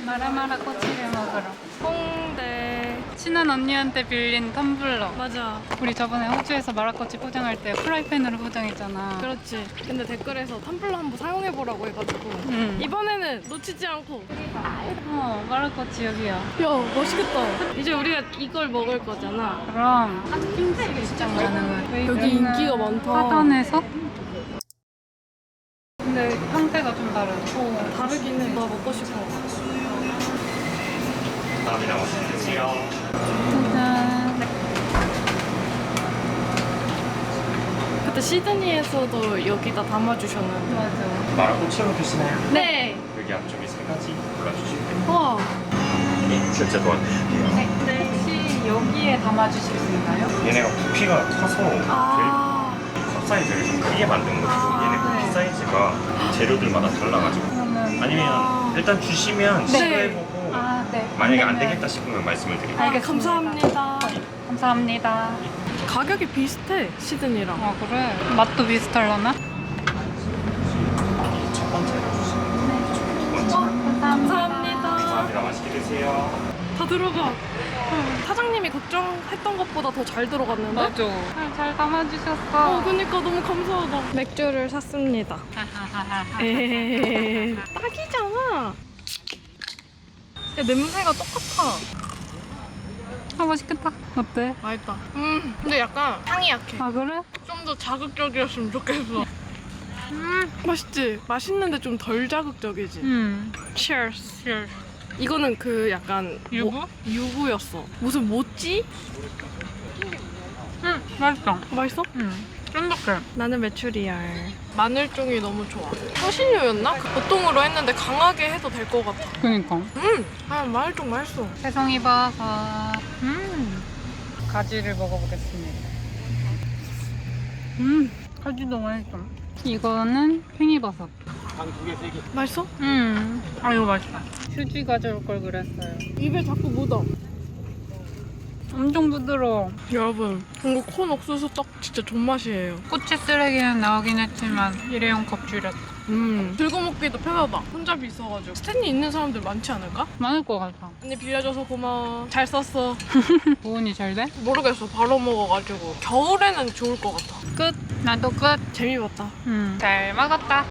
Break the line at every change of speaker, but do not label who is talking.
마라마라 꼬치를 먹으러.
홍대.
친한 언니한테 빌린 텀블러.
맞아.
우리 저번에 호주에서 마라꼬치 포장할 때 프라이팬으로 포장했잖아.
그렇지. 근데 댓글에서 텀블러 한번 사용해보라고 해가지고 이번에는 놓치지 않고.
마라꼬치 여기야.
야, 멋있겠다. 이제 우리가 이걸 먹을 거잖아.
그럼 핫핑크 시장 가능한.
여기 인기가 많다.
하단에서? 근데 형태가 좀 다르고.
다르긴 해. 나 먹고 싶어.
감사합니다. 맛있게 드세요.
짜잔.
그때 시드니에서도 여기다 담아주셨는데.
맞아.
마라꼬치로 드시나요?
네.
여기 앞쪽에 3가지 골라주시면 돼요.
와.
네, 실제 도와드릴게요.
네. 혹시 여기에 담아주실 수 있나요?
얘네가 부피가 커서
아.
컵 사이즈를 좀 크게 만든 거고 얘네
네.
부피 사이즈가 재료들마다 달라가지고
그러면
아니면 일단 주시면 시도해보고
네.
만약에 안 되겠다 싶으면 말씀을 드릴게요.
알겠습니다.
감사합니다.
감사합니다.
가격이 비슷해, 시드니랑.
아 그래? 맛도 비슷하려나?
첫 번째로 주시면 두 번째.
감사합니다.
감사합니다. 맛있게 드세요.
다 들어가. 사장님이 걱정했던 것보다 더 잘 들어갔는데?
맞아. 잘 담아주셨어.
그니까 너무 감사하다. 맥주를 샀습니다. 에헤헤헤. 딱이잖아. 야, 냄새가 똑같아.
맛있겠다. 어때?
맛있다. 근데 약간 향이 약해.
아 그래?
좀 더 자극적이었으면 좋겠어. 맛있지? 맛있는데 좀 덜 자극적이지? Cheers. 이거는 그 약간
유부?
유부였어. 무슨 모찌?
맛있어.
맛있어?
쫀득해.
나는 메추리알. 마늘종이 너무 좋아. 향신료였나? 보통으로 했는데 강하게 해도 될 것 같아.
그니까.
마늘종 맛있어.
새송이 버섯. 가지를 먹어보겠습니다. 가지도 맛있어. 이거는 팽이버섯.
맛있어?
아 이거 맛있다. 휴지 가져올 걸 그랬어요.
입에 자꾸 묻어.
엄청 부드러워.
여러분, 이거 콘 옥수수 떡 진짜 존맛이에요.
꼬치 쓰레기는 나오긴 했지만 일회용 컵 줄였다.
들고 먹기도 편하다. 혼잡이 있어가지고. 스탠이 있는 사람들 많지 않을까?
많을 것 같아.
언니 빌려줘서 고마워. 잘 썼어.
보온이 잘 돼?
모르겠어. 바로 먹어가지고. 겨울에는 좋을 것 같아. 끝.
나도 끝.
재미봤다.
잘 먹었다.